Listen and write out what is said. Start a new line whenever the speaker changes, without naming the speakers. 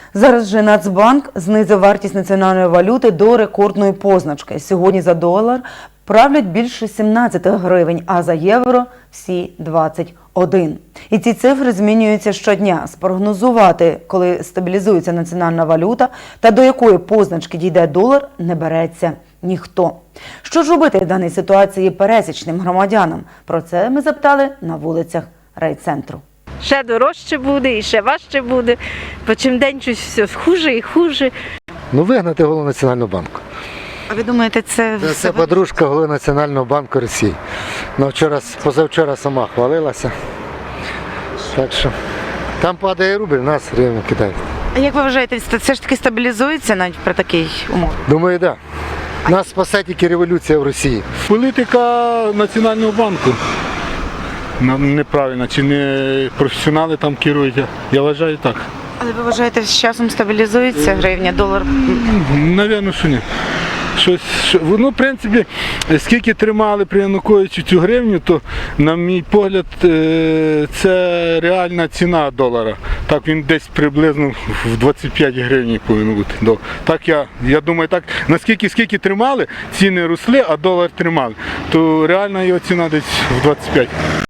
Зараз же Нацбанк знизив вартість національної валюти до рекордної позначки. Сьогодні за долар правлять більше 17 гривень, а за євро – всі 21. І ці цифри змінюються щодня. Спрогнозувати, коли стабілізується національна валюта та до якої позначки дійде долар, не береться ніхто. Що ж робити в даній ситуації пересічним громадянам? Про це ми запитали на вулицях райцентру.
Ще дорожче буде і ще важче буде, бо чим день щось все хуже і хуже.
Вигнати голову Національного банку.
А ви думаєте, це
Це подружка голови Національного банку Росії. Позавчора сама хвалилася. Так що там падає рубль, нас гривень кидають.
А як ви вважаєте, це ж таки стабілізується навіть при такій умові?
Думаю, так. Да. Нас спасе тільки революція в Росії.
Політика Національного банку неправильна, чи не професіонали там керують, я вважаю так.
Але ви вважаєте, з часом стабілізується гривня, долар?
Навірно, що ні. В принципі, скільки тримали при Януковичу цю гривню, то, на мій погляд, це реальна ціна долара. Так, він десь приблизно в 25 гривень повинен бути. Так я думаю, так, скільки тримали, ціни росли, а долар тримали, то реальна його ціна десь в 25.